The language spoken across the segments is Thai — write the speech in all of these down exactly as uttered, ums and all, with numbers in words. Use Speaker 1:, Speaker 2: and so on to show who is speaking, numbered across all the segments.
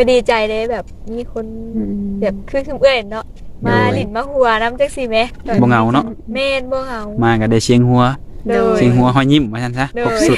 Speaker 1: ก็ดีใจเลยแบบมีคนแบบคือคือเอื้อยเนาะมาหลินมาหัวน้ำจักซี่แม่
Speaker 2: บ่เหงาเนาะ
Speaker 1: แม่นบ่เหงา
Speaker 2: มาก็ได้เสียงหัวเสียงหัวหอยยิ้มว่าซั่นซะครบสุด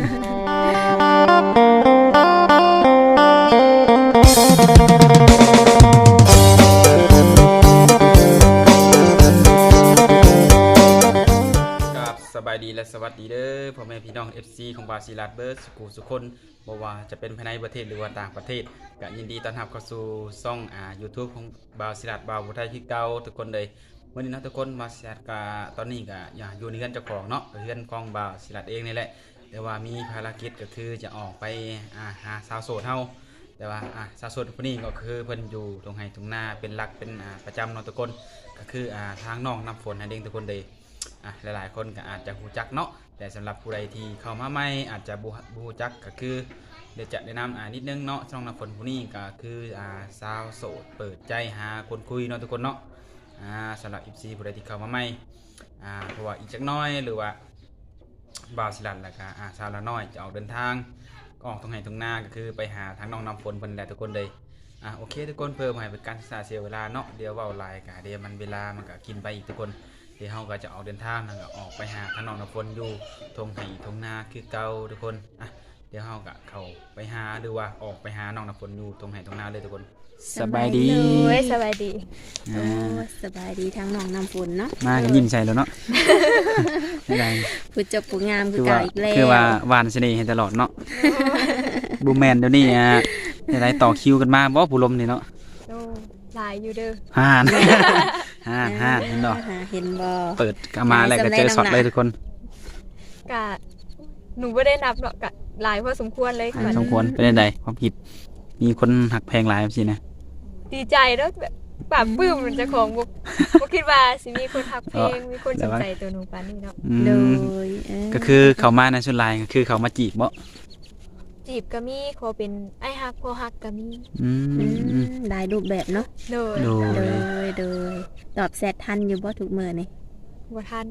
Speaker 2: สบายดีและสวัสดีเด้อพ่อแม่พี่น้อง เอฟ ซี ของบาซิลัดเบิร์ดสุขุสุคนบ่ว่าจะเป็นภายในประเทศหรือว่าต่างประเทศก็ยินดีต้อนรับเข้าสู่ช่องอ่า YouTube ของบาซิลัดบาวผู้ไทยคือเก่าทุกคนเลยวันนี้นะทุกคนบาซิลัดก็ตอนนี้ก็อย่าอยู่ในเรือนเจ้าของเนาะเรือนของบาซิลัดเองนี่แหละแต่ว่ามีภารกิจก็คือจะออกไปอ่าหาสาวโสดเฮาแต่ว่าอ่าสาวโสดคนนี้ก็คือเพิ่นอยู่ตรงไห้ตรงหน้าเป็นหลักเป็นอ่าประจำเนาะทุกคนก็คืออ่าทางน้องน้ำฝนนั่นเองทุกคนเลยอ่ะหลายๆคนก็อาจจะหูจักเนาะแต่สำหรับผู้ใดที่เข้ามาใหม่อาจจะบูบูจักก็คือเดี๋ยวจะแนะนำอ่านิดนึงเนาะช่องน้ำฝนผู้นี้ก็คืออ่าสาวโสดเปิดใจหาคนคุยเนาะทุกคนเนาะอ่าสำหรับ เอฟ ซี ผู้ใดที่เข้ามาใหม่อ่าเพราะว่าอีกจักน้อยหรือว่าบ่าวสิลัดแล้วก็อ่าสาวละน้อยจะออกเดินทางก็ออกตรงไหนตรงหน้าก็คือไปหาทางน้องน้ำฝนเพิ่นแหละทุกคนเลยอ่าโอเคทุกคนเพิ่มให้เป็นการศึกษาเสียเวลาเนาะเดี๋ยวเว้าหลายก็เดี๋ยวมันเวลามันก็กินไปอีกทุกคนเดี๋ยวเราก็จะออกเดินทางแล้วก็ออกไปหาทางน้องน้ำฝนอยู่ทงไห่ทงนาคือเก่าทุกคนอ่ะเดี๋ยวเราก็เข้าไปหาหรือว่าออกไปหาน้องน้ำฝนอยู่ทงไห่ทงนาเลยทุกคนสบายดี
Speaker 1: สบายดี
Speaker 3: โอ้สบายดีทั้งน้องน้ำฝนเนาะ
Speaker 2: มากันยิ้มใส่แล้วเนาะอะไร
Speaker 3: ผู้จบผู้งามคือเก่าอีกแล้ว
Speaker 2: คือว่าหวานเสน่ห์ให้ตลอดเนาะบูแมนเดี๋ยวนี้อ่ะอะไรต่อคิวกันมาบ่ผู้ลมนี่เนาะ
Speaker 1: หลายอยู่เด้อ
Speaker 2: ฮ่านฮ่านฮ่านเห็นบ่
Speaker 3: เห็นบ่
Speaker 2: เปิดกมาแล้วก็เจอช็อตเลยทุกคน
Speaker 1: กะหนูไม่ได้นับเนาะกะหลายพอสมควรเลย
Speaker 2: สมควรเป็นไดความผิดมีคนหักแพงหลายสินะ
Speaker 1: ดีใจแล้วแบบปราบปลื้มมันจะของบุกบุกคิดว่าสิมีคนหักเพลงมีคนสนใจตัวหนูปานนี้เนาะ
Speaker 3: โดย
Speaker 2: ก็คือเขามาในชุดลายก็คือเขามาจีบบ่
Speaker 1: จีบก็มีขอเป็นไอ้ฮักพอฮักก็มี
Speaker 3: ได้รูปแบบเนาะ
Speaker 1: โดย
Speaker 3: โดยโดยตอบแชททันอยู่บ่ทุกมื้อนี่
Speaker 1: บ่ทัน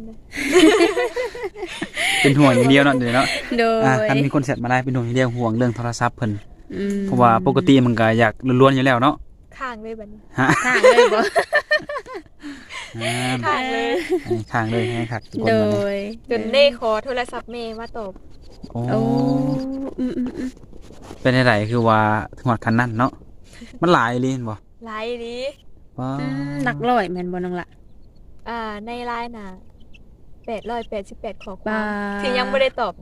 Speaker 2: เป็นห่วงอย่างเดียวเนาะเดี๋ยวเนาะ
Speaker 3: โดยอ่ะ
Speaker 2: คันมีคนแชทมาได้เป็นห่วงอย่างเดียวห่วงเรื่องโทรศัพท์เพิ่นเพราะว่าปกติมันก็อยากล้วนๆอยู่แล้วเนาะ
Speaker 1: ข้างเลยบัดนี้
Speaker 3: ข้างเลยบ่
Speaker 1: ข้างเลย
Speaker 2: ข้างเลยให้คักทุกคน
Speaker 3: โดย
Speaker 1: จนได้ขอโทรศัพท์แม่มาตอบ
Speaker 2: โอ้เป็นอะไรคือว่าถึงฮอดคันนั้นเนาะมันหลายอีหลีบ่
Speaker 1: หลายอีหลี
Speaker 2: ว้า
Speaker 3: หลักร้อยแม่นบ่น้องล่ะ
Speaker 1: อ่าในไลน์น่ะแปดร้อยแปดสิบแปดข้อความที่ยังบ่ได้ตอบ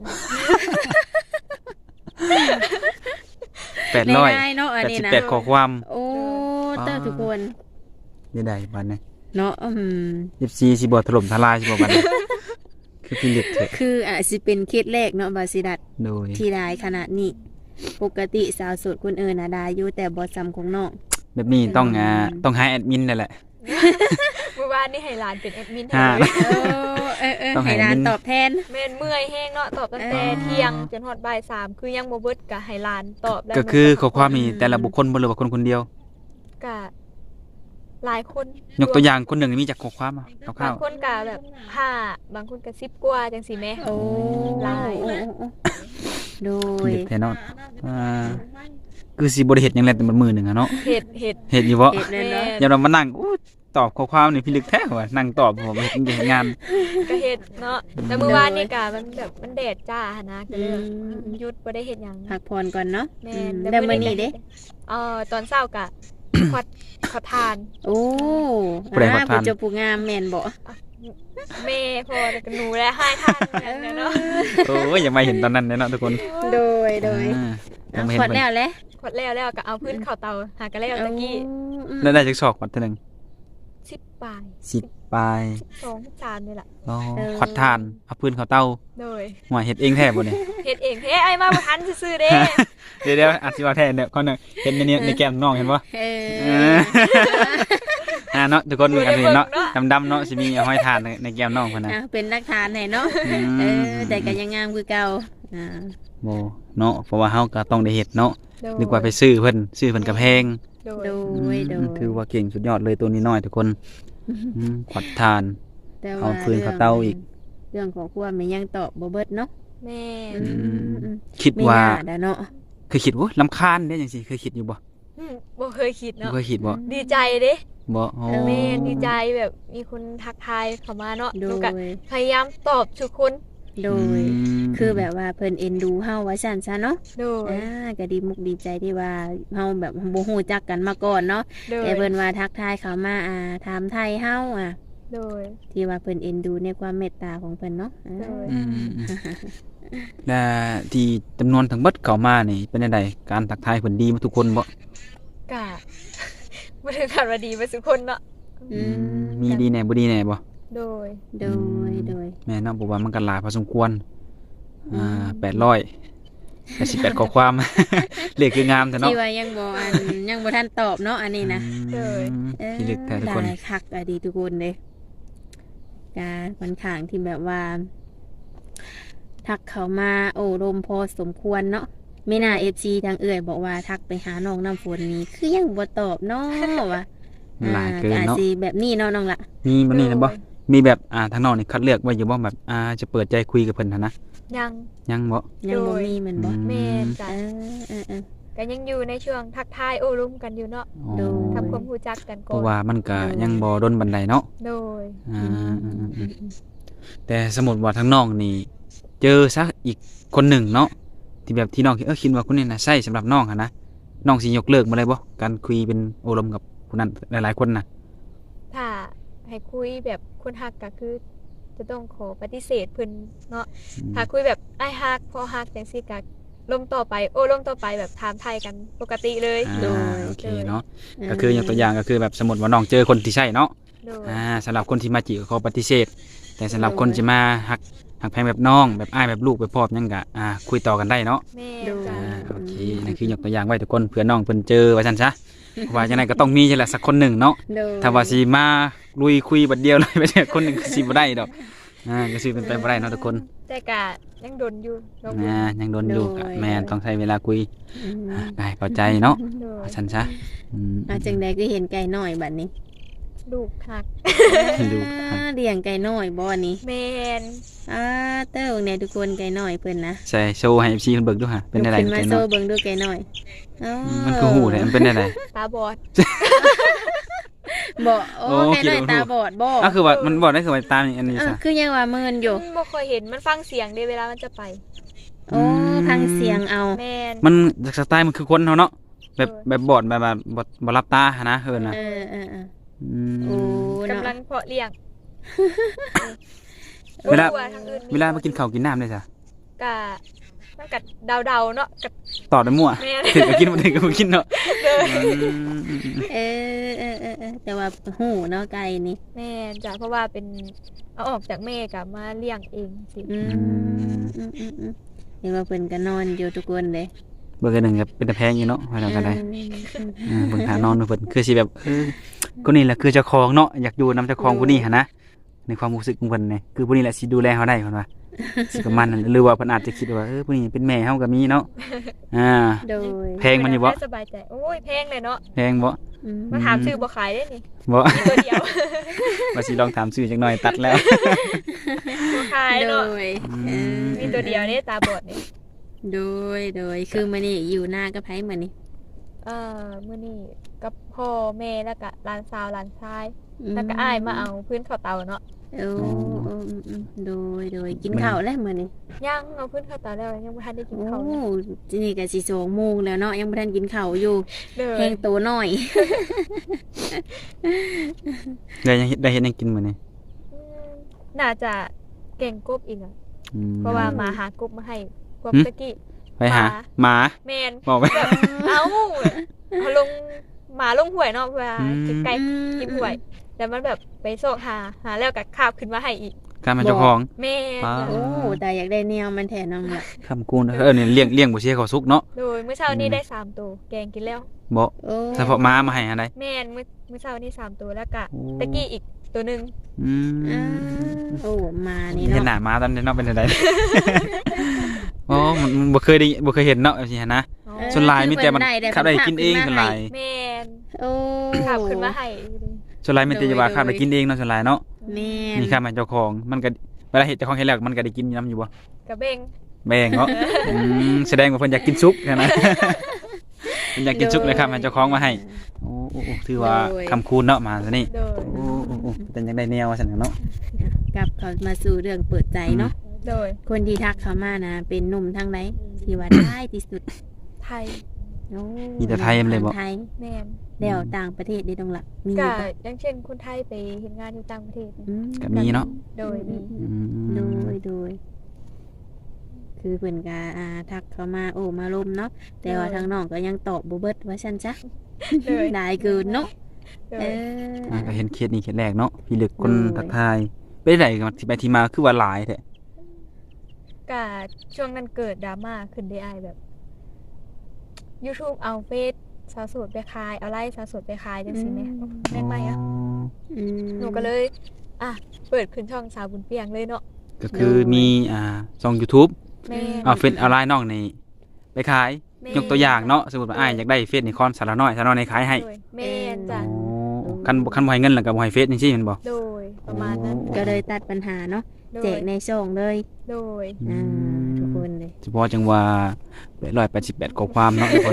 Speaker 2: แปดร้อยแปดสิบแปดข้อความ
Speaker 3: โอ้เต้าทุกคน
Speaker 2: นี่ได้บัดนี้
Speaker 3: เนาะอืม
Speaker 2: เอฟ ซี สิบ่ถล่มทลายสิบ่บัดนี้คือพิลึกแท้
Speaker 3: คืออาจสิเป็นเคสแรกเนาะบาซิดัด
Speaker 2: โดย
Speaker 3: ที่ได้ขนาดนี้ปกติสาวโสดคนอื่นน่ะได้อยู่แต่บ่ซ้ำของน้อง
Speaker 2: แบบนี้ต้องอ่าต้องหาแอดมินนั่นแหละ
Speaker 1: เมื่อวานนี่ให้หลานเป็นแอดมิน
Speaker 3: ให้เออเออให้หลานตอบแทน
Speaker 1: แม่นเมื่อยแห้งเนาะตอบตั้งแต่เที่ยงจนฮอดบ่ายสามคือยังบ่เบิดก็ให้หลานตอบได้
Speaker 2: ก็คือข้อความนี้แต่ละบุคคลบ่หรือว่าคนคนเดียว
Speaker 1: ก็หลายคน
Speaker 2: ยกตัวอย่างคนหนึ่งมีจากข้อความอ่ะคร่าวๆ
Speaker 1: บางคนก็แบบห้าบางคนก็สิบกว่าจังซี่แม่
Speaker 3: โอ้
Speaker 1: หลาย
Speaker 3: โดย
Speaker 2: แท้เนาะอ่าคือสิบ่ได้เฮ็ดหยังแลแต่มันมื้อนึงอ่ะเนาะ
Speaker 1: เฮ็ดเฮ็ด
Speaker 2: เฮ็ดอยู่บ่
Speaker 3: เฮ็ดเนาะ
Speaker 2: อย่ามานั่งอู้ตอบข้อความนี่พิลึกแท้ว่ะนั่งตอบผมเฮ็ดเฮ็ดงาน
Speaker 1: ก็เฮ็ดเนาะแต่มื้อวานนี่ก็มันแบบมันแดดจ้าหั่นนะก็เลยหยุดบ่ได้เฮ็ดหยัง
Speaker 3: พักผ่อนก่อนเนาะ
Speaker 1: แม่น
Speaker 3: แล้วมื้อนี้เด้
Speaker 1: เอ่อตอนเช้าก็ขอดขอทาน
Speaker 3: โอ้อ่าผู้จบผู้งามแม่นบ่
Speaker 1: แม่พอแล้วหนูแล้วให้ทานเนาะ
Speaker 2: โอ้ยยังไม่เห็นตอนนั้นเนาะทุกคน
Speaker 3: โดยโดยขอดแล้วแหละ
Speaker 1: ขอดแล้วแล้วก็เอาพื้นเข้าเตาหากันแล้วตะกี้
Speaker 2: แล้วได้จักศอกขอดเท่านึง
Speaker 1: สิบปลาย
Speaker 2: สิบปลาย
Speaker 1: สองจานนี่แหละ
Speaker 2: อ๋อขอดทานเอาพื้นเข้าเตา
Speaker 1: โดย
Speaker 2: หัวเฮ็ดเองแท้บ่นี่
Speaker 1: เฮ็ดเองแท้ไอ้มาบ่ทันซื่อๆเด้
Speaker 2: เดี๋ยวๆอาจสิว่าแท้เนี่ยก่อนนึงเห็นในนี้ในแก้มน้องเห็นบ่
Speaker 3: เออ
Speaker 2: อ่าเนาะทุกคนอันนี้เนาะดำๆเนาะสิมีห้อยทานในแก้มน้องเพิ่นน่ะ
Speaker 3: เป็นหลักฐานให้เนาะเออแต่ก็ยังงามคือเก่าอ่า
Speaker 2: บ่เนาะเพราะว่าเฮาก็ต้องได้เฮ็ดเนาะนึกว่าไปซื้อเพิ่นซื้อเพิ่นก็แพง
Speaker 3: โดยโดย
Speaker 2: ถือว่าเก่งสุดยอดเลยตัวนี้น้อยทุกคนขอดทานเอาฟืนเข้าเตาอีก
Speaker 3: เรื่องของครัวมันยังตอบบ่เบิดเนาะ
Speaker 1: แม่
Speaker 2: คิดว่า
Speaker 3: เนาะ
Speaker 2: เคยคิดว่าลำคาญได้จังซี่เคยคิดอยู่บ่
Speaker 1: อืมบ่เคยคิด
Speaker 2: บ่
Speaker 1: เนาะ
Speaker 2: เคยคิดบ่
Speaker 1: ดีใจเด้
Speaker 2: บ่อ๋อ
Speaker 1: แม่นดีใจแบบมีคนทักทายเข้ามาเนาะ
Speaker 3: โด
Speaker 1: หนู
Speaker 3: ย
Speaker 1: ก็พยายามตอบทุกคน
Speaker 3: โดย
Speaker 2: ม
Speaker 3: คือแบบว่าเพิ่นเอ็นดูเฮาว่าซั่นซะเนาะ
Speaker 1: โดย
Speaker 3: อ่าก็ดีมุกดีใจที่ว่าเฮาแบบบ่ฮู้จักกันมาก่อนเนาะ
Speaker 1: โดย
Speaker 3: แต่เพิ่นว่าทักทายเขามาอ่าถามไทยเฮาอ่ะ
Speaker 1: โดย
Speaker 3: ที่ว่าเพิ่นเอ็นดูในความเมตตาของเพิ่นเนาะอ่า
Speaker 1: โดย
Speaker 2: อืมและที่จำนวนทั้งเบิดเข้ามานี่เป็นจังไดการทักทายเพิ่นดีหมดทุกคนบ่
Speaker 1: กะ บ่ถึงขั้นว่าดีไปทุกคนเนาะ
Speaker 3: อืม
Speaker 2: มีดีแหน่บ่ดีแหน่บ่
Speaker 1: โดย
Speaker 3: โดยโดย
Speaker 2: แม่นเนาะเพราะว่ามันก็หลายพอสมควรอ่าแปดร้อย แปดสิบแปดข้อความ เลขคืองามแต่เนาะ
Speaker 3: ที่ว่ายังบ่อันยังบ่ทันตอบเนาะอันนี้นะ
Speaker 2: อืม
Speaker 3: เออ
Speaker 2: ที่ลึกแท้ทุกคน
Speaker 3: ได้คักอะดีทุกคนเลยกาค่อนข้างที่แบบว่า ทักเขามาโอ้ลมพอสมควรเนาะไม่น่าเอฟซีทางเอื่อยบอกว่าทักไปหาน้องน้ำฝนนี้คือยังบ่ตอบเนาะวะ
Speaker 2: หลายเกิน
Speaker 3: อ่า
Speaker 2: เนาะ
Speaker 3: สิแบบนี้เนาะน้องละ
Speaker 2: มีมันนี่นะบ่มีแบบอ่าทางนอกนี่คัดเลือกไว้อยู่บ่แบบอ่าจะเปิดใจคุยกับเพิ่นหั่นนะ
Speaker 1: ยัง
Speaker 2: ยังบ่
Speaker 3: ยังบ่
Speaker 1: โดย
Speaker 3: มีแมันบ่
Speaker 2: อื
Speaker 1: แม่นจ้ะ
Speaker 3: เออเออเออ
Speaker 1: ก็ยังอยู่ในช่วงทักทายโอ้ร่มกันอยู่เนาะ
Speaker 2: อ๋อ
Speaker 3: โดย
Speaker 1: ทำความรู้จักกัน
Speaker 2: เพ
Speaker 1: ก่อ
Speaker 2: ราะ
Speaker 1: น
Speaker 2: ว่ามันก็ยังบ่ดนบันไดเนาะ
Speaker 1: โดย
Speaker 2: อ่า
Speaker 3: อืมอืมอืม
Speaker 2: แต่สมมุติว่าทางน้องนี่ เจอซะอีกคนหนึ่งเนาะที่แบบที่น้องคิดเออคิดว่าคนนี้น่ะใช่สำหรับน้องหั่นนะน้องสิยกเลิกบ่เลยบ่การคุยเป็นโอลมกับคนนั้นหลายๆคนน่ะ
Speaker 1: ถ้าให้คุยแบบคนฮักก็คือ จะต้องขอปฏิเสธเพิ่นเนาะ ถ้าคุยแบบอ้ายฮักพอฮักจังซี่ก็ลมต่อไปโอ้ลมต่อไปแบบถามไทยกันปกติเลย
Speaker 2: อ่าโอเคเนาะ
Speaker 3: เออ
Speaker 2: ก็คืออย่างตัวอย่างก็คือแบบสมมติว่าน้องเจอคนที่ใช่เนาะ
Speaker 1: โดย
Speaker 2: อ่าสำหรับคนที่มาจีบก็ขอปฏิเสธ แต่สำหรับคนที่มาหักหักแพงแบบน้องแบบอ้ายแบบลูกแบบพ่อยังกะอ่าคุยต่อกันได้เนาะ
Speaker 1: แม่
Speaker 3: โดย
Speaker 1: จ้ะ
Speaker 2: อ่าโอเคนั่นคือยกตัวอย่างไว้ทุกคนเผื่อน้องเพิ่นเจอว่าซั่นซะเพราะว่าจังไดก็ต้องมีใช่แหละสักคนหนึ่งเนาะ
Speaker 3: โดย
Speaker 2: ถ้าว่าสิมาลุยคุยบัดเดียวเลย ไปเจอคนหนึ่งก็สิบ่ได้ดอกอ่าก็สิเป็นไปบ่ได้เนาะทุกคน
Speaker 1: แต่ก็ยังโดนอยู่ลองดู
Speaker 2: อ่ายังโดนอยู่ก็แม่นต้องใช้เวลาคุย
Speaker 3: อืม
Speaker 2: อ่าได้เข้าใจเนาะ
Speaker 1: โดย
Speaker 2: ว่าซั่นซะอืม
Speaker 3: อาจังใดก็เห็นไก่น้อยบัดนี้
Speaker 1: ลูกฮัก
Speaker 2: ดู
Speaker 3: อ่าเลี้ยงไก่น้อยบ่นี่
Speaker 1: แม่น
Speaker 3: อ่าเต้าเนี่ยทุกคนไก่น้อยเพิ่นนะ
Speaker 2: ใส่โชว์ให้ เอฟ ซี เพิ่นเบิ่งดูฮะเป็นได้ได
Speaker 3: ยกขึ้นมา
Speaker 2: แก
Speaker 3: โซ่
Speaker 2: เนาะ
Speaker 3: เบิ่งดูไก่น้อยอ๋อ
Speaker 2: มันคือหูเลยมันเป็นได้ได
Speaker 1: ตาบอด
Speaker 3: บ่โอ้
Speaker 2: โอ้
Speaker 3: ไก่น้อย
Speaker 2: คิดว่า
Speaker 3: ตาบอดบ่
Speaker 2: อ่ะคือว่ามันบอกได้คือว่าตามอันนี้
Speaker 3: เออ
Speaker 2: ซะ
Speaker 3: คือยังว่าเมินอยู่
Speaker 1: บ่ค่อยเห็นมันฟังเสียงเด้เวลามันจะไป
Speaker 3: โอ้พังเสียงเอา
Speaker 1: แม่น
Speaker 2: มันสไตล์มันคือคนเฮาเนาะแบบ
Speaker 1: เออ
Speaker 2: แบบบอดแบบแบบบ่บ่รับตาหันนะเฮินน่ะ
Speaker 3: เออเออเออ
Speaker 2: อืม
Speaker 3: โอ้
Speaker 1: กำลั
Speaker 3: เนาะ
Speaker 1: งเพาะเลี้ยง
Speaker 2: เวลา
Speaker 1: บ่รู้ทางอื่น
Speaker 2: เวลามากินข้าวกินน้ำได้ซะ
Speaker 1: กะมันกัดเดาๆเนาะกัด
Speaker 2: ตอบได้มั่ว
Speaker 1: แม่น
Speaker 2: ถึงก็กินบ่ถึงก็บ่กินเนาะ
Speaker 1: เด้อ
Speaker 2: อืม
Speaker 3: เออเออเออเออแต่ว่าหูเนาะไก่นี่
Speaker 1: แม่นจ้ะเพราะว่าเป็นเอาออกจากแม่กะมาเลี้ยงเองสิ
Speaker 3: อืมอืมอืมอืมเห็นว่าเพิ่นก็นอนอยู่ทุกคนเลย
Speaker 2: เบิ่งกันหนึงก็เป็นตาแพงอยู่เนาะว่าแล้วก็ได้
Speaker 3: อืมอืม
Speaker 2: อ่าเบิ่งหานอนเพิ่นคือสิแบบเออคนนี้แหละคือเจ้าของเนาะอยากอยู่นำเจ้าของผู้นี้หั่นนะในความรู้สึกของเพิ่นนี่คือผู้นี้แหละสิดูแลเฮาได้เพิ่นว่า สิประมาณนั้นหรือว่าเพิ่นอาจจะคิดว่าเออผู้นี้เป็นแม่เฮาก็มีเนาะอ่า
Speaker 3: โดย
Speaker 2: แพงมันอยู่บ่
Speaker 1: สบายใจโอ้ยแพงเลยเนาะ
Speaker 2: แพงบ่
Speaker 3: อืม
Speaker 1: มาถามชื่อบ่ขายได้นี่
Speaker 2: บ่
Speaker 1: มีตัวเดียว
Speaker 2: ว่าสิลองถามชื่อจักหน่อยตัดแล้ว
Speaker 1: บ่ขาย
Speaker 3: โด
Speaker 1: เนาะ
Speaker 3: ยเออ
Speaker 1: มีตัวเดียวนี่ตาบอดนี่
Speaker 3: โดยโดยคือมื้อนี้อยู่หน้ากับไผมื้อนี้
Speaker 1: เอ่อมื้อนี้กับพ่อแม่แล้วก็หลานสาวหลานชายแล้วก็อ้ายมาเอาพื้นข้าวเตาเนาะ
Speaker 3: โอ้โอ้อืมอืมโดยโดยกินข้าวแล้วมื้อนี้
Speaker 1: ยังเอาพื้นข้าวเตาแล้วยังบ่ทันได้กิน
Speaker 3: โอ้
Speaker 1: ข้าวเลย
Speaker 3: ทีนี่ก็สิสองโมงแล้วเนาะยังบ่ทันกินข้าวอยู่
Speaker 1: เด้อ
Speaker 3: แห้งโตน้อย
Speaker 2: ได้ยังเฮ็ดได้เฮ็ดหยังกินมื้อนี้
Speaker 1: อืมน่าจะเก่งกบอีกอ่ะ
Speaker 2: อืม
Speaker 1: เพราะว่ามาหากบมาให้กบ
Speaker 2: หึ
Speaker 1: ตะกี้
Speaker 2: ไปหาหมา
Speaker 1: แมน
Speaker 2: บอกไป
Speaker 1: แบบเอ้าเขาลงหมาลงห่วยเนาะเวลา
Speaker 2: อืม
Speaker 1: ใกล้ๆกินห่วย แล้วมันแบบไปโซกหาหาแล้วก็คาบขึ้นมาให้อีก
Speaker 2: การมาเจ้าของ
Speaker 1: แม่น
Speaker 2: ว้าว
Speaker 3: โอ้แต่อยากได้แนวมันแทนน้องละ
Speaker 2: คำกูนเออเนี่ยเลี้ยงเลี้ยงบ่เสียเขาสุกเนาะ
Speaker 1: โดยเมื่อเช้านี้
Speaker 2: อืม
Speaker 1: ได้สามตัวแกงกินแล้ว
Speaker 2: บ่
Speaker 3: โอ้
Speaker 2: เฉพาะหมามาให้อันใด
Speaker 1: แม่นเมื่อเมื่อเช้านี้สามตัวแล้วก็
Speaker 2: โอ้
Speaker 1: ตะกี้อีกตัวหนึง
Speaker 2: อืม
Speaker 3: อ่าโอ้มานี่
Speaker 2: เห็นห
Speaker 3: เนาะ
Speaker 2: น้าหมาตอนนี้เนาะเป็นจังได อ๋อมันมันบ่เคยได้บ่เคยเห็นเนาะแบบนี้หั้นนะ
Speaker 1: อ๋อ
Speaker 3: เออ
Speaker 2: ส่วนหลายมีแต่มัน
Speaker 3: คือเพิ่นได้
Speaker 2: ขับได้กินเอง
Speaker 3: เพิ่
Speaker 2: ส่วน
Speaker 3: น
Speaker 2: ห
Speaker 3: มา
Speaker 2: ลาย
Speaker 3: ให้
Speaker 1: แม่น
Speaker 3: โอ้
Speaker 1: คาบขึ้นมาให้
Speaker 2: ส่วนหลายมีแต่จะว่าขับได้กินเองเนาะส่วนหลายเนาะ
Speaker 3: แม่
Speaker 2: มีข้ามให้เจ้าของมันก็เวลาเห็นเจ้าของเห็นแล้วมันก็ได้กินน้ำอยู่บ่
Speaker 1: กระเบง
Speaker 2: แบ่งเนาะอืมแสดงว่าเพิ่นอยากกินซุปใช่ไหมเป็นอยากกินซุกเลยครับให้เจ้าของมาให้โอ้โอ้โอ้ถือว่าคำคูณเนาะมาซะนี่
Speaker 1: โดย
Speaker 2: โอ้โอ้โอ้เป็นจังได้แนวว่าซั่นเนาะ
Speaker 3: กลับเขามาสู่เรื่องเปิดใจเนาะ
Speaker 1: โดย
Speaker 3: คนที่ทักเขามานะเป็นหนุ่มทางไหนที่ว่าได้ที่สุด
Speaker 1: ไทย
Speaker 3: โอ้
Speaker 2: มีแต่ไทยเลยบ่
Speaker 3: ไทย
Speaker 1: แม่น
Speaker 3: แล้วต่างประเทศได้ตรงละมี
Speaker 1: ก็
Speaker 3: บ่
Speaker 1: อย่างเช่นคนไทยไปเฮ็ดงานอยู่ต่างประเทศ
Speaker 3: อืม
Speaker 2: ก็มีเนาะ
Speaker 1: โดยมี
Speaker 2: อืม
Speaker 3: โดยโดย คือเพิ่นก็อ่าทักเขามาโอ้มาลมเนาะแต่ว่าทางน้องก็ยังตอบบ่เบิดว่าซั่นจ้ะ
Speaker 1: โดย
Speaker 3: ได้เกินเนาะ
Speaker 1: โด
Speaker 3: เอย อ
Speaker 2: อ่าก็เห็นเคสนี้เคสแรกเนาะพี่ลึกคน
Speaker 3: โดย
Speaker 2: ทักทายไปได้กันที่ไปที่มาคือว่าหลายแท้
Speaker 1: ก็ช่วงนั้นเกิดดราม่าขึ้นได้อ้ายแบบ YouTube เอาเฟซสาวโสดไปขายเอาไลฟ์สาวโสดไปขายจังซี่แหมแม่นไหมอ่ะ
Speaker 3: อืม
Speaker 1: หนูก็เลย อ่ะ เปิดขึ้นช่องสาวบุญเปียงเลยเนาะ
Speaker 2: ก็คือ
Speaker 3: โดย
Speaker 2: มีอ่าช่อง YouTube
Speaker 1: แม่น
Speaker 2: เอาเฟซเอาไลน์น้องนี่ไปขาย
Speaker 1: แม่
Speaker 2: ยกตัวอย่างเนาะสมมุติว่าอ้ายอยากได้เฟซนี่คอนสารน้อยสารน้อยในขายให้
Speaker 1: โดยแม่นจ้ะ
Speaker 2: อ๋อคันบ่คันบ่ให้เงินแล้วก็บ่ให้เฟซจังซี่แม่นบ่
Speaker 1: โดยประมาณนั้น
Speaker 3: ก็เลยตัดปัญหาเนาะ
Speaker 1: โดย
Speaker 3: แจกในช่องเลย
Speaker 1: โดย
Speaker 3: อ่าทุกคนเลย
Speaker 2: เฉพาะจังว่าแปดร้อยแปดสิบแปดข้อความเนาะทุกคน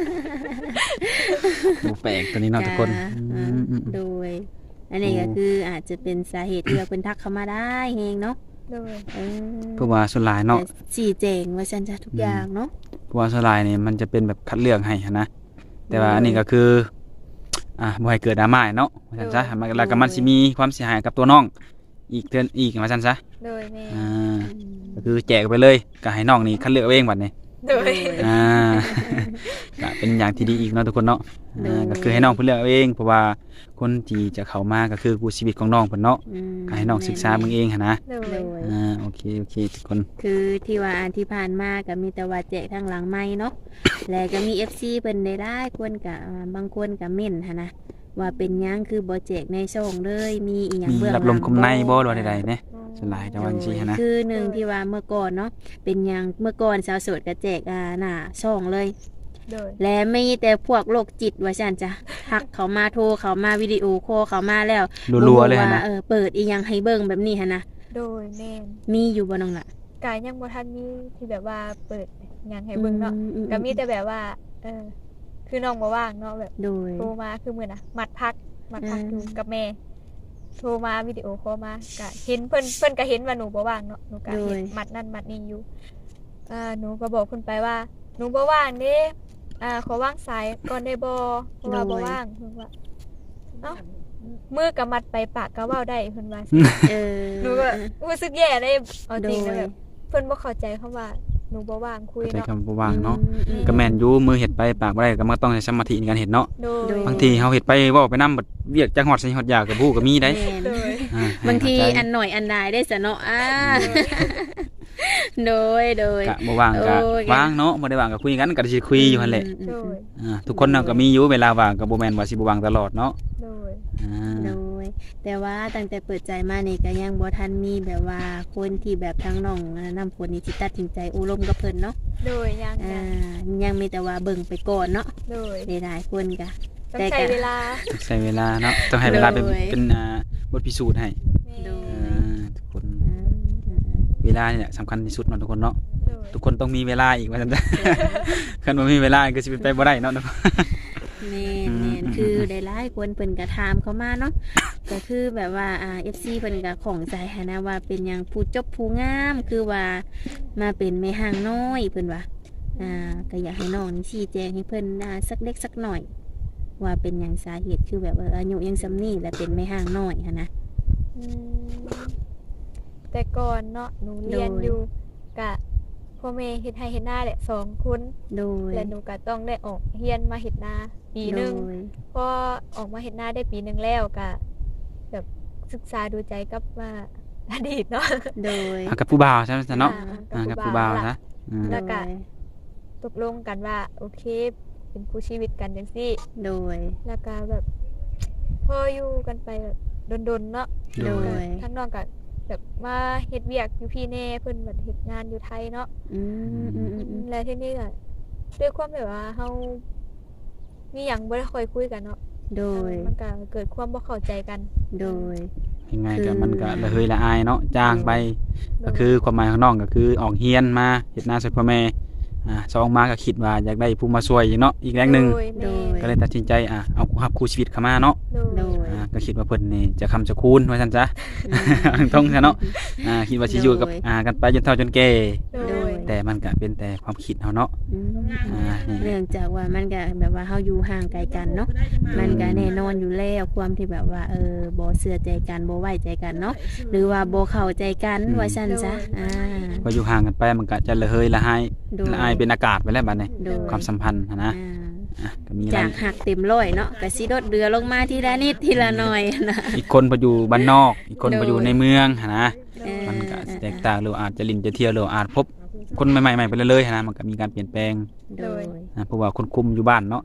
Speaker 2: บ่แปลกตัวนี้เนาะทุกคน
Speaker 3: จ้า
Speaker 2: อื
Speaker 3: อ่าม
Speaker 2: อืม
Speaker 3: โดย อันนี้ก็คืออาจจะเป็นสาเหตุที่ว่าเพิ่นทักเข้ามาได้เองเนาะ
Speaker 1: โดย
Speaker 3: เออ
Speaker 2: เพราะว่าส่วนหลายเนาะ
Speaker 3: แต่สี่แจงว่าฉันจะทุกอย่างเนาะ
Speaker 2: เพราะว่าส่วนหลายนี่มันจะเป็นแบบคัดเลือกให้หั้นนะแต่ว่าอันนี้ก็คืออ่าบ่ให้เกิดดราม่าเนาะว่าซั่นซะมันแล้วก็มันสิมีความเสียหายกับตัวน้องอีกเทื่ออีกว่าซั่นซะ
Speaker 1: โดยแม่
Speaker 2: อ่าก็คือแจกไปเลยก็ให้น้องนี่คัดเลือกเอาเองบัดนี้
Speaker 1: โดย
Speaker 2: อ่า ก็เป็นอย่างที่ดีอีกเนาะทุกคนเนาะ
Speaker 3: โดย
Speaker 2: อ่าก็คือให้น้องเพิ่นเลือกเอาเองเพราะว่าคนที่จะเข้ามาก็คือผู้ชีวิตของน้องเพิ่นเนาะ
Speaker 3: อืม
Speaker 2: ก็ให้น้องศึกษาเบิ่งเองหั่นนะ
Speaker 1: โด
Speaker 3: โด
Speaker 1: ย
Speaker 3: ย
Speaker 2: อ่าโอเคโอเคทุกคน
Speaker 3: คือที่ว่าอันที่ผ่านมาก็มีแต่ว่าแจกทางหลังไม้เนาะ แล้วก็มี เอฟ ซี เพิ่นได้ได้คนก็อ่าบางคนก็เม่นหันนะว่าเป็นหยังคือบ่แจกในช่องเลยมีอีหยัง
Speaker 2: มี
Speaker 3: เบื้องห
Speaker 2: รั
Speaker 3: ลั
Speaker 2: บ
Speaker 3: ง
Speaker 2: ลมคมในบ่หรือว่าใดๆเนี่ยส่วนหลายจะว่าจังซี่หันนะ
Speaker 3: คือหนึ่งที่ว่าเมื่อก่อนเนาะเป็นหยังเมื่อก่อนสาวโสดก็แจกอ่าหน้าช่องเลย
Speaker 1: โดย
Speaker 3: และมีแต่พวกโรคจิตว่าซั่นจ้ะทักเขามาโทรเขามาวิดีโอคอลเขามาแล้ว
Speaker 2: รัวๆเลยหั่น
Speaker 3: ว่า
Speaker 2: นะ
Speaker 3: เออเปิดอีหยังให้เบิ่งแบบนี้หั่นนะ
Speaker 1: โดยแม่น
Speaker 3: มีอยู่บ่น้องล่ะ
Speaker 1: กายยังบ่ทันมีที่แบบว่าเปิดหยังให้เบิ่งเนาะ
Speaker 3: อืม
Speaker 1: ก็มีแต่แบบว่า เออ คือน้องบ่ว่างเนาะแบบ
Speaker 3: โดย
Speaker 1: โทรมาคือมื้อน่ะมัดพักมัดพัก
Speaker 3: อ่า
Speaker 1: อยู่กับแม่ โทรมาวิดีโอคอลมาก็เห็นเพิ่นเพิ่นก็เห็นว่าหนูบ่ว่างเนาะหนูก็เห็นมัดนั่นมัดนี่อยู่อ่าหนูก็บอกเพิ่นไปว่า หนูบ่ว่างเด้อ่าขอว่างสายก่อนได้บ่เพราะว่าบ่ว่างเพิ่นว่าเอ้ามือก็มัดไปปากก็เว้าได้เพิ่นว่า
Speaker 3: เออ
Speaker 1: หนูก็รู้สึกแย่เลยเอาจริง
Speaker 3: โด
Speaker 1: นะ
Speaker 3: ย
Speaker 1: แบบเพิ่นบ่เข้าใจคำว่าหนูบ่ว่างคุย
Speaker 2: เข้าใจ
Speaker 1: เนาะ
Speaker 2: คำบ่ว่างเนาะ
Speaker 3: อืม
Speaker 2: ก็แม่นอยู่มือเฮ็ดไปปากบ่ได้ก็มันต้องใช้สมาธิในการเฮ็ดเนาะ
Speaker 1: โด
Speaker 3: โด
Speaker 1: ย
Speaker 3: ย
Speaker 2: บางทีเฮาเฮ็ดไปเว้าไปนำบัดเวียกจักฮอดใส่ฮอดยากกับผู้ก็มีได้
Speaker 3: แม่น
Speaker 1: โดย
Speaker 2: อ่ให้
Speaker 3: บางที
Speaker 2: เข้ใจ
Speaker 3: อันหน่อยอันใดได้สะเนาะอ่าโดยโดย
Speaker 2: กะบ่ว่างก็
Speaker 3: โอ้ย
Speaker 2: ว่างเนาะบ่ได้ว่างก็คุยกันก็สิคุยอยู่หั่นแหละ
Speaker 3: อืม
Speaker 1: โด
Speaker 3: อืม
Speaker 1: ย
Speaker 2: อ่าทุกคนน่ะก็มีอยู่เวลาว่างก็บ่แม่นว่าสิบ่ว่างตลอดเนาะ
Speaker 1: โดย
Speaker 2: อ่า
Speaker 3: โดย แต่ว่าตั้งแต่เปิดใจมานี่ก็ยังบ่ทันมีแบบว่าคนที่แบบทั้งน้องนำคนนี้สิตัดสินใจอุลมกับเพิ่นเนาะ
Speaker 1: โดยยัง
Speaker 3: อ่า
Speaker 1: ยัง
Speaker 3: ยังมีแต่ว่าเบิ่งไปก่อนเนาะ
Speaker 1: โดย
Speaker 3: หลายๆคนก็
Speaker 1: ต้อง
Speaker 3: แต่
Speaker 1: ใช้
Speaker 3: ก็
Speaker 1: เวลา
Speaker 2: ต้องใช้เวลาเนาะต้องให้เวลาเป็น
Speaker 3: โดย
Speaker 2: เป็นอ่าบทพิสูจน์ให้
Speaker 1: แม่
Speaker 3: โด
Speaker 2: อ่าทุกคน
Speaker 3: อ่าอ่า
Speaker 2: เวลานี่แหละสำคัญที่สุดเนาะทุกคนเนาะ
Speaker 1: โดย
Speaker 2: ทุกคนต้องมีเวลาอีกว่าซั่นจ้ะ คันบ่มีเวลาก็สิเป็นไปบ่ได้เนาะทุกคน
Speaker 3: แม่น
Speaker 2: อืม
Speaker 3: แม่นคือหลายๆคนเพิ่นก็ถามเข้ามาเนาะก็คือแบบว่าอ่า เอฟ ซี เพิ่นก็ของใจหั้นนะว่าเป็นหยังผู้จบผู้งามคือว่ามาเป็นแม่ห้างน้อยเพิ่นว่าอ่าก็อยากให้น้องนี่ชี้แจงให้เพิ่นอ่าสักเล็กสักหน่อย ว่าเป็นหยังสาเหตุคือแบบว่าอายุยังซำนี้และเป็นแม่ห้างน้อยหั้นนะ
Speaker 1: อืมแต่ก่อนเนาะหนูเรียน
Speaker 3: โดย
Speaker 1: อยู่กะพ่อแม่เฮ็ดให้เฮ็ดหน้าแหละสองคน
Speaker 3: โดย
Speaker 1: และหนูก็ต้องได้ออกเรียนมาเฮ็ดนาปีหนึง
Speaker 3: โดย
Speaker 1: พอออกมาเฮ็ดนาได้ปีหนึงแล้วก็แบบศึกษาดูใจกับว่า อดีตเนาะ
Speaker 3: โดย
Speaker 2: อ่ะกับผู้บ่าวใช่ไหมจ๊ะเนาะ
Speaker 1: อ่
Speaker 2: อ่า
Speaker 1: า
Speaker 2: กับ
Speaker 1: กั
Speaker 2: ผู้
Speaker 1: บ
Speaker 2: บ่าว
Speaker 1: ล่ะ
Speaker 2: ซะอืม
Speaker 1: แล้วก็ ตกลงกันว่าโอเค เป็นคู่ชีวิตกันจังซี่
Speaker 3: โดย
Speaker 1: แล้วก็แบบพออยู่กันไปแบบดนๆเนาะ
Speaker 3: โดย
Speaker 1: ทั้งน้องก็แบบมาเฮ็ดเวียกอยู่พี่แน่เพิ่นแบบเฮ็ดงานอยู่ไทยเนาะ
Speaker 3: อืมอืมอืมอืม
Speaker 1: แล้วทีนี้ก็ด้วยความแบบว่าเฮามีหยังบ่ได้ค่อยคุยกันเนาะ
Speaker 3: โดย
Speaker 1: มันก็เกิดความบ่เข้าใจกัน
Speaker 3: โดย
Speaker 2: ยังไง
Speaker 3: คื
Speaker 2: ก็
Speaker 3: อ
Speaker 2: มันก็ระเหยละอายเนาะจ้างไปก็คือความหมายของน้องก็คือออกเฮียนมาเฮ็ดนาช่วยพ่อแม่อ่าสองมาก็คิดว่าอยากได้ผู้มาช่วยเนาะอีกแรงหนึง
Speaker 1: โดยแม่น
Speaker 2: ก็เลยตัดสินใจอ่ะเอาคู่รับคู่ชีวิตเข้ามาเนาะ
Speaker 1: โด
Speaker 3: โด
Speaker 1: ย
Speaker 3: ย
Speaker 2: อ่าก็คิดว่าเพิ่นนี่จะคำจะคูณว่าซั่นซะ ต้องซะเนาะอ่าคิดว่าสิอยู่กับ
Speaker 3: โดย
Speaker 2: อ่ากันไปจนเฒ่าจนแก่
Speaker 1: โด
Speaker 3: โด
Speaker 1: ย
Speaker 3: ย
Speaker 2: แต่มันก็เป็นแต่ความคิดเฮาเนาะ
Speaker 3: อืม
Speaker 2: อ่านี่
Speaker 3: เนื่องจากว่ามันก็แบบว่าเฮาอยู่ห่างไกลกันเนาะมันก็แน่นอนอยู่แล้วความที่แบบว่าเออบ่เชื่อใจกันบ่ไว้ใจกันเนาะหรือว่าบ่เข้าใจกันว่าซั่นซะอ่า
Speaker 2: พออยู่ห่างกันไปมันก็จะระเหยละหาย
Speaker 3: โดย
Speaker 2: ละอายเป็นอากาศไปแล้วบัดนี้
Speaker 3: โดย
Speaker 2: ความสัมพันธ์หั้นนะ
Speaker 3: อ่า
Speaker 2: อ่ะก็มี
Speaker 3: จา
Speaker 2: หลาย
Speaker 3: กหักเต็มร้อยเนาะก็สิลดเรือลงมาทีละนิดทีละหน่อยนะ
Speaker 2: อีกคนพออยู่บ้านนอก อีกคน
Speaker 3: โดย
Speaker 2: พออยู่ในเมืองหั้นนะ
Speaker 3: เออ
Speaker 2: มันก็แตกต่างหรืออาจจะลิ้นจะเที่ยวหรืออาจพบคนใหม่ๆๆไปเรื่อยๆหั้นนะมันก็มีการเปลี่ยนแปลง
Speaker 3: โดย
Speaker 2: นะเพราะว่าคนคุมอยู่บ้านเนาะ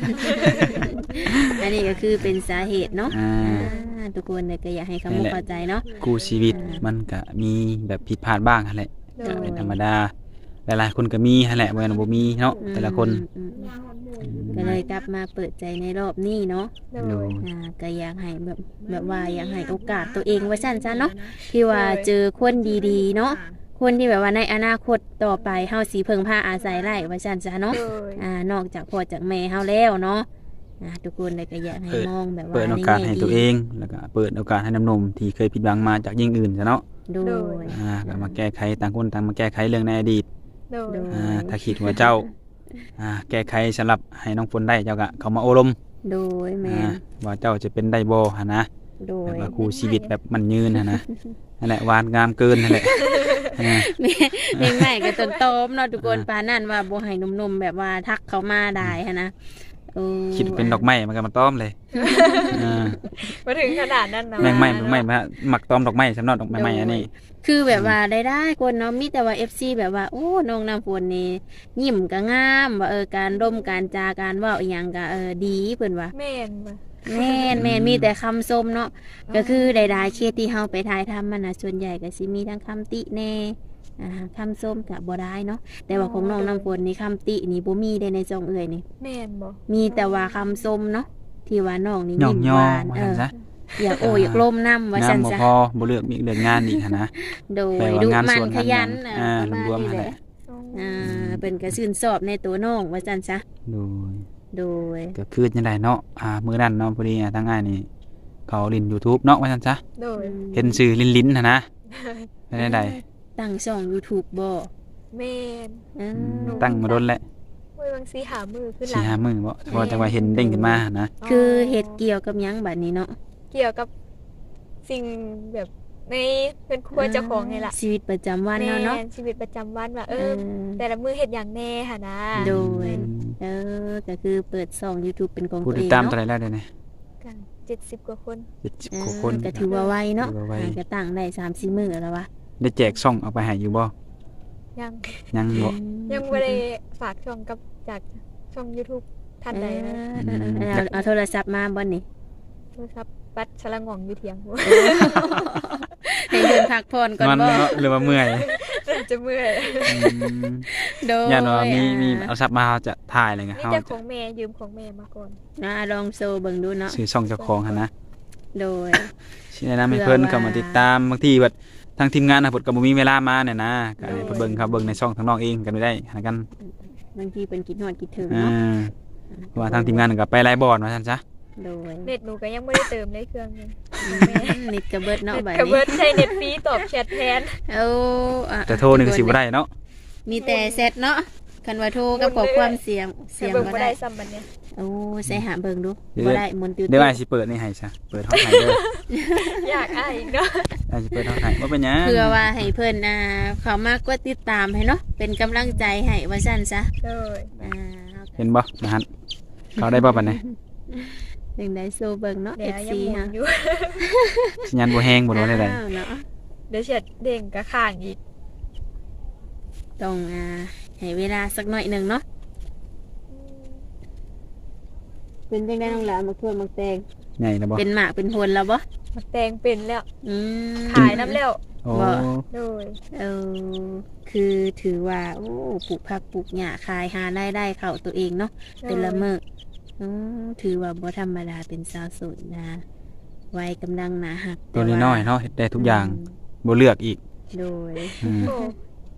Speaker 3: อันนี้ก็คือเป็นสาเหตุเนาะ
Speaker 2: อ่า
Speaker 3: อ่าทุกคนเนี่ยก็อยากให้คำมุกเข้าใจเนาะ
Speaker 2: คู่ชีวิตมันก็มีแบบผิดพลาดบ้างหั่นแหละ
Speaker 1: โด
Speaker 2: ก็
Speaker 1: ย
Speaker 2: เป็นธรรมดาหลายๆคนก็มีหั่นแหละบ่แม่นว่าบ่มีเนาะแต่ละคน
Speaker 3: อืมอืมก็เลยกลับมาเปิดใจในรอบนี้เนาะ
Speaker 1: โด
Speaker 2: โด
Speaker 1: ย
Speaker 2: ย
Speaker 3: อ่าก็อยากให้แบบแบบว่าอยากให้โอกาสตัวเองว่าซั่นซะเนาะที่ว่าเจอคนดีๆเนาะคนที่แบบว่าในอนาคตต่อไปเฮาสิเพิ่งพาอาศัยได้ว่าซั่นซะเนาะ
Speaker 1: โดย
Speaker 3: อ่านอกจากพ่อจากแม่เฮาแล้วเนาะอ่าทุกคนเลยก็อยากให้มองแบบว่า
Speaker 2: เปิดโอกาส
Speaker 3: ในแง่
Speaker 2: ให้
Speaker 3: ดี
Speaker 2: ตัวเองแล้วก็เปิดโอกาสให้น้ำนมที่เคยผิดหวังมาจากยิ่งอื่นซะเนาะ
Speaker 3: โดย
Speaker 2: อ่าก็มาแก้ไขต่างคนต่างมาแก้ไขเรื่องในอดีต
Speaker 1: โดย
Speaker 3: โดย
Speaker 2: อ่าถ้าคิดว่าเจ้าอ่าแก้ไขสำหรับให้น้องฝนได้เจ้าก็เข้ามาโอลม
Speaker 3: โดยแม่
Speaker 2: อ่าว่าเจ้าจะเป็นได้บ่หั่นนะ
Speaker 3: โด
Speaker 2: แบ
Speaker 3: ย
Speaker 2: บว่าคู่ชีวิตแบบมันยืนหั่นนะนั่นแหละหวานงามเกินนั่นแหละอ่า
Speaker 3: แม่แม่ใหม่ก็ต้นโตมเนาะทุกคนปานนั่นว่าบ่ให้หนุ่มๆแบบว่าทักเขามาได้หันนะเออ
Speaker 2: คิดว่าเป็นดอกไม้มันก็มาต้อมเลยอ่า
Speaker 1: มาถึงขนาดนั้นนะ
Speaker 2: แมงไม้แมงไม้มาหมักต้อมดอกไม้สำหรับดอกไม้ไม้อันนี้
Speaker 3: คือแบบว่าได้ได้คนเนาะมีแต่ว่า เอฟ ซี แบบว่าโอ้น้องน้ำฝนนี่ยิ้มก็งามว่าเออการร่มการจาการเว้าอีหยังก็เออดีเพิ่นว่า
Speaker 1: แม่นบ่
Speaker 3: แม่นแม่นมีแต่คำชมเนาะก็คือใดๆเคสที่เฮาไปถ่ายทำมันน่ะส่วนใหญ่ก็สิมีทั้งคำติแน่อ่าคำชมก็บ่ได้เนาะแต่ว่าของน้องน้ำฝนนี่คำตินี่บ่มีได้ในจองเอ่ยนี่
Speaker 1: แม่นบ่
Speaker 3: มีแต่ว่าคำชมเนาะที่ว่าน้องนี่
Speaker 2: ย่อ
Speaker 3: ยิ้
Speaker 2: ง
Speaker 3: ม
Speaker 2: ย่
Speaker 3: ห
Speaker 2: อ
Speaker 3: วาน
Speaker 2: ว่า
Speaker 3: เอ
Speaker 2: ซั่น
Speaker 3: อ
Speaker 2: ซะ
Speaker 3: อยากโอ้อยากล้มน้ำว่าซั่น
Speaker 2: น้ำบ่
Speaker 3: ซะ
Speaker 2: พอบ่เลือกมีเรื่องงานอีกหั้นนะ
Speaker 3: โด
Speaker 2: แปล
Speaker 3: ย
Speaker 2: ว่า
Speaker 3: ดุ
Speaker 2: งาน
Speaker 3: มั
Speaker 2: ส่
Speaker 3: น
Speaker 2: วน
Speaker 3: ข
Speaker 2: งาน
Speaker 3: ยัน
Speaker 2: งาน
Speaker 3: น่ะ
Speaker 2: อ่า
Speaker 3: ประมาณ
Speaker 2: รวมๆ
Speaker 3: นี้
Speaker 2: หั่น
Speaker 3: แห
Speaker 2: แห
Speaker 3: ละ
Speaker 2: ละ
Speaker 3: อ่าเป็นก็ชื่นชอบในตัวน้องว่าซั่นซะ
Speaker 2: โดย
Speaker 3: โดย
Speaker 2: ก็คือจังได๋เนาะอ่ามื้อนั้นเนาะพอดีอ่ะทางอ้ายนี่เขาเล่น YouTube เนาะว่าซั่นซะ
Speaker 1: โดย
Speaker 2: เห็นชื่อลิ้นๆหั่นนะได้ได้
Speaker 3: ตั้งช่อง YouTube บ่
Speaker 1: แม่น
Speaker 3: อืม
Speaker 2: ตั้งมาโดนแล้ว
Speaker 1: เว้ยบางสีหามือขึ้นหลั
Speaker 2: สี่
Speaker 1: ง
Speaker 2: ห้ามื้อบ่เพราะว่าจังว่าเห็นเด้งขึ้นมาหั่นนะ
Speaker 3: คือเฮ็ดเกี่ยวกับหยังบัดนี้เนาะ
Speaker 1: เกี่ยวกับสิ่งแบบในเพื่อนครัวเจ้าของนี่ล่ะ
Speaker 3: ชีวิตประจำวัน
Speaker 1: แม่
Speaker 3: เนาะเนาะ
Speaker 1: นชีวิตประจำวันว่าเอ
Speaker 3: เอ
Speaker 1: อ
Speaker 3: อ
Speaker 1: แต่ละมือเฮ็ดอย่างแน่ค่ะนะ
Speaker 3: โดย เออก็คือเปิดช่อง YouTube เป็นของ
Speaker 2: ผู้
Speaker 3: ตัว
Speaker 2: ติด
Speaker 3: เอง
Speaker 2: ตามเท่า
Speaker 3: เนาะ
Speaker 2: ไหร่แล้วเดี๋ยวนี้
Speaker 1: กันเจ็ดสิบกว่าคน
Speaker 2: เจ็ดสิบ
Speaker 3: เอก
Speaker 2: ว่า
Speaker 3: อ
Speaker 2: คน
Speaker 3: ก็ถือว่าไวเนาะ
Speaker 2: ถือว่าไว
Speaker 3: อ่าก็ตั้งได้สามสี่มื้อแล้ววะ
Speaker 2: ได้แจกช่องเอาไปให้อยู่บ่
Speaker 1: ยัง
Speaker 2: ยังบ่
Speaker 1: ยังไม่ได้ฝากช่องกับจากช่อง YouTube ท่านใดนะ
Speaker 3: เออเออเออเอาเอาโทรศัพท์มาบ่นี่
Speaker 1: โทรศัพท์ปัดฉลังงองอยู่เถียง บ่
Speaker 3: ให้เดินพักผ่อนก่อน
Speaker 2: มัน
Speaker 3: บ่
Speaker 2: เนาะหรือว่าเมื่อย
Speaker 1: จะเมื่อย
Speaker 2: อืม
Speaker 3: โดย
Speaker 2: ย่านว่ามีมี
Speaker 3: อ่า
Speaker 2: เอาซับมาเราจะถ่ายอะไรเงี้ย
Speaker 1: นี่
Speaker 2: เฮา
Speaker 1: แต่ข
Speaker 2: จะ
Speaker 1: องแม่ยืมของแม่มาก่อน
Speaker 3: นะลองโซเบิ่งดูเนาะ
Speaker 2: ซื้อช่องเจ้าของหั่นนะ
Speaker 3: โดย
Speaker 2: สิแนะนำให้เพิ่น
Speaker 3: เพื่อว่า
Speaker 2: เข้ามาติดตามบางทีแบบทางทีมงานน่ะเพิ่นก็บ่มีเวลามาเนี่ยนะก็ให้
Speaker 1: โดย
Speaker 2: เพิ่นเบิ่งครับเบิ่งในช่องทางน้องเองกันไม่ได้หากัน
Speaker 3: บางทีเป็นคิดฮอดคิดถึง
Speaker 2: อ่า
Speaker 3: เนาะ
Speaker 2: เพราะว่าทางทีมงานก็ไปไลฟ์บอร์ดว่าซั่นซะ
Speaker 3: โดย
Speaker 1: เน็ตหนูก็ยังไม่ได้เติมเลยเครื่องนึง
Speaker 3: นิดกระเบิดเนาะ
Speaker 1: เน็ต
Speaker 3: บัด
Speaker 1: กระเบิ
Speaker 3: นี้
Speaker 1: ดใช้เน็ตฟรีตอบแชทแทน
Speaker 3: เอาอ่ะ
Speaker 2: แต่โทรนี่ก็สิบ่ได้เนาะ
Speaker 3: มีแต่เซตเนาะคันว่าโทรกับขอความเสียงเสียง
Speaker 1: เบิ่ง
Speaker 3: บ่
Speaker 1: บ่
Speaker 3: ได้
Speaker 1: ได้ซ้ำบัดเนี้ย
Speaker 3: โอ้ใส่หาเบิ่งดูบ่ได้มนต์ติว
Speaker 2: เดี๋ยวอ้ายสิเปิดนี่ให้ซะเปิดห้องให้เด้อ
Speaker 1: อยากอ้ายอีกเนาะ
Speaker 2: อ้ายสิเปิดห้องให้บ่เป็นหยัง
Speaker 3: เพื่อว่าให้เพิ่นอ่าเขามากดติดตามให้เนาะเป็นกำลังใจให้ว่าซั่นซะ
Speaker 1: เลย
Speaker 3: อ่า
Speaker 2: เห็นบ่นะฮะเขาได้บ่บัดนี้
Speaker 3: ถึงได้โซเบิ่งเนาะ
Speaker 1: เดี๋ยว
Speaker 3: เอฟ
Speaker 1: ยัง
Speaker 3: ซี
Speaker 1: หมุ
Speaker 3: ฮะ
Speaker 1: นอยู่
Speaker 2: สัญญาณบ่แฮงบ่รู้ได้ใด
Speaker 3: อ้าวเนาะ
Speaker 1: เดี๋ยวเฉียดเด้งกระข้างอีก
Speaker 3: ต้องอ่าให้เวลาสักหน่อยหนึงเนาะเป็นจังได๋น้องหลานมาทั่วมาแตง
Speaker 2: ใหญ่แล้วบ่
Speaker 3: เป็นหมากเป็นผลแล้วบ่
Speaker 1: มาแตงเป็นแล้ว
Speaker 3: อืม
Speaker 1: ขายน้ำแล้ว
Speaker 2: โอ้
Speaker 3: บ่
Speaker 1: เลย
Speaker 3: เออคือถือว่าโอ้ปลูกผักปลูกหญ้าขายหารายได้เข้าตัวเองเนาะแต่ละมื้ออือถือว่าบ่ธรรมดาเป็นสาวโสดนะวัยกำลังหนาหัก
Speaker 2: ตัวน้อยๆเนาะเฮ็ดได้ทุกอย่างบ่เลือกอีก
Speaker 3: โดย
Speaker 2: อืม
Speaker 1: โอ้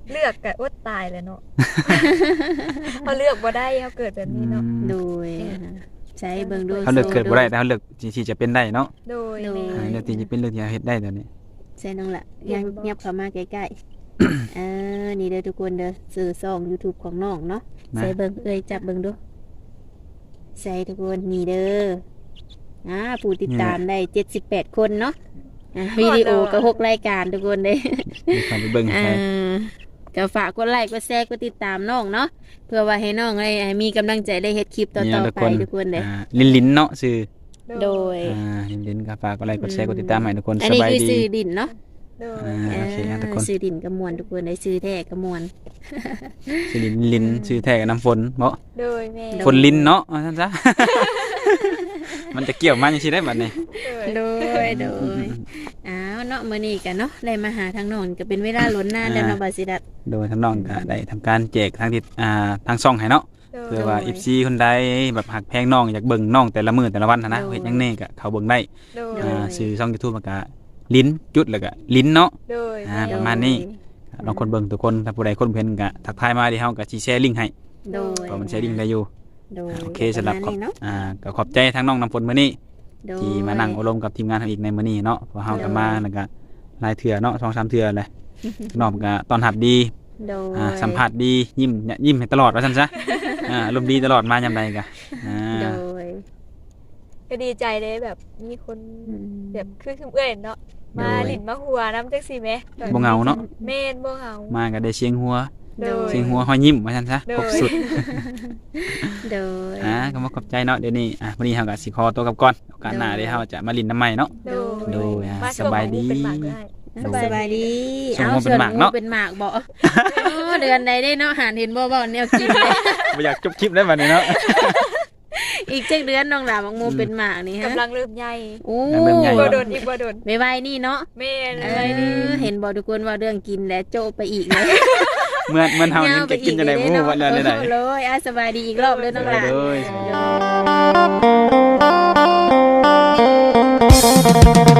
Speaker 1: เลือกก็อดตายแหล้วเนาะ เฮาเลือกบ่ได้เฮาเกิดแบบนี้เนาะ
Speaker 3: โดยอ่าใช้เบิ่งดู
Speaker 2: เขาเลือกเกิดบ่ได้แต่เขาเลือกที่จะเป็นได้เนาะ
Speaker 1: โดย
Speaker 3: โดย
Speaker 1: แม่
Speaker 2: อ่าเลือกที่จะเป็นเลือกที่จะเฮ็ดได้ตอนนี้
Speaker 3: ใช่น้องละ
Speaker 1: เห็
Speaker 3: ยั
Speaker 1: น
Speaker 3: ง
Speaker 1: บ่
Speaker 3: เงียบเข้ามาใกล้ๆ เออนี่เด้อทุกคนเด้อสื่อช่อง YouTube ของน้องเนาะ
Speaker 2: นะ
Speaker 3: ใส่เบิ่งเอ้ยจับเบิ่งดูใส่ทุกคนนี่เด้ออ่าผู้ติดตามได้เจ็ดสิบแปดคนเนาะอ่ะวิดีโอก็หกรายการทุกคนเด้
Speaker 2: มีความไปเบิ่ง
Speaker 3: อ่า
Speaker 2: ใช่
Speaker 3: ก็ฝากกดไลค์กดแชร์กดติดตามน้องเนาะเพื่อว่าให้น้องได้มีกำลังใจได้เฮ็ดคลิปต่
Speaker 2: นี่
Speaker 3: อ
Speaker 2: นะ
Speaker 3: ๆไปทุกคนเด้
Speaker 2: อ่าลิ้นลิ้นๆเนาะชื่อ
Speaker 3: โดย
Speaker 2: อ่าลิ้นลิ้นๆก็ฝากกดไลค์กดแชร์กดติดตามให้ทุกคน
Speaker 3: อัน
Speaker 2: ส
Speaker 3: นี้
Speaker 2: บาย
Speaker 3: คือ
Speaker 2: ดี
Speaker 3: ซื้อดินเนาะ
Speaker 1: โดย
Speaker 2: อ่า โอเคครับทุกคน
Speaker 3: ซื้อดินกระมวลทุกคนได้ซื้อแท้กระมวล
Speaker 2: ชื่อลิ้นลิ้นชื่อแท้กับน้ำฝนเนาะ
Speaker 1: โดยแม่
Speaker 3: โด
Speaker 2: ฝนลิ้นเนาะว่าซั่นซะ มันจะเกี่ยวมาจังซี่ได้บัดนี้
Speaker 1: โดย
Speaker 3: โดยโดยอ้าวเนาะมื้อนี้กันเนาะได้มาหาทางน้องก็เป็นเวลาล้นนานแล้วเนาะบาสิดัด
Speaker 2: โดยทางน้องก็ได้ทำการแจกทางที่อ่าทางช่องให้เนาะ
Speaker 1: โดย
Speaker 2: เพื่อว่า เอฟ ซี คนใดแบบหักแพงน้องอยากเบิ่งน้องแต่ละมื้อแต่ละวันหั้นนะ
Speaker 3: โดย
Speaker 2: เฮ็ดหยังแน่ก็เข้าเบิ่งได้
Speaker 1: โดย
Speaker 2: อ่าชื่อช่อง YouTube มันก็ลิ้นจุดแล้วก็ลิ้นเนาะ
Speaker 1: โดย
Speaker 2: อ่า
Speaker 1: แม่
Speaker 2: ประมาณนี้ ลองคนเบิ่งทุกคนถ้าผู้ใดคนเพิ่นก็ทักทายมาดิเฮาก็สิแชร์ลิงก์ให้
Speaker 3: โดย
Speaker 2: เพราะมันแชร์ลิงก์ได้อยู่
Speaker 3: โดย
Speaker 2: โอเคสำหรับ
Speaker 3: ประมาณนี้เนาะ
Speaker 2: อ่าก็ขอบใจทั้งน้องน้ำฝนมื้อนี้
Speaker 3: โดย
Speaker 2: ที่มานั่งอบรมกับทีมงานเฮาอีกในมื้อนี้เนาะเพราะเฮาก็
Speaker 3: โดย
Speaker 2: มาแล้วก็หลายเทื่อเนาะสองสามเทื่อแหละน้องก็ต้อนรับดี
Speaker 3: โดย
Speaker 2: อ่าสัมภาษณ์ดียิ้มเนี่ยยิ้มให้ตลอดว่าซั่นซะอ่าอารมณ์ดีตลอดมายามใดก็อ่า
Speaker 3: โดย
Speaker 1: ก็ดีใจเลยแบบมีคน
Speaker 3: อืม
Speaker 1: แบบคือคือเอื้อยเนาะมาหลินมาหัวน้ำจักซี่แหม
Speaker 2: บ่เหงาเนาะ
Speaker 1: แม่นบ่เหงา
Speaker 2: มาก็ได้เสียงหัว
Speaker 1: โดย
Speaker 2: เสียงหัวห้อยยิ้มว่าซั่นซะ
Speaker 1: โดย
Speaker 2: ครบสุด
Speaker 3: โดย
Speaker 2: อ่าก็มาขอบใจเนาะเดี๋ยวนี้อ่ะวันนี้เฮาก็สิขอตัวกลับก่อนโอกาสหน้าเดี๋ยวเฮาจะมาลินน้ำใหม่เนาะ
Speaker 1: โดย
Speaker 2: โดยอ่ะ
Speaker 1: มา
Speaker 2: สบายดี
Speaker 1: เป็นหมากได้
Speaker 3: สบายดี
Speaker 2: ส่ง
Speaker 3: เอา
Speaker 2: มาเป็นหมากเนาะ
Speaker 3: ส่วนหเป็นหมากบ่อ๋อเดือนใดได้เนาะหานเห็นบ่บ่แนวกินเลย
Speaker 2: บ่อยากจบคลิปได้บัดนี้เนาะ
Speaker 3: อีกจักเดือนน้องหลาบักมูเป็นหมากนี่ฮะ
Speaker 1: กำลังเริ่มใหญ่
Speaker 3: โอ้
Speaker 2: กำลังเริ่มใหญ่
Speaker 1: บ่โดนอีกบ่โดน
Speaker 3: ไวๆนี่เนาะ
Speaker 1: แม่น
Speaker 3: เอ
Speaker 1: เลยนี่
Speaker 3: อเห็นบ่ทุกคนว่าเรื่องกินและโจไปอีกเลย
Speaker 2: เหมือนเหมือนเฮานี่จะกินจังได๋บ่ฮู้ว่าแล้วได้
Speaker 3: โอ้เลยอ่ะสบายดีอีกรอบเลยน้องหลา
Speaker 2: เลย
Speaker 3: โดย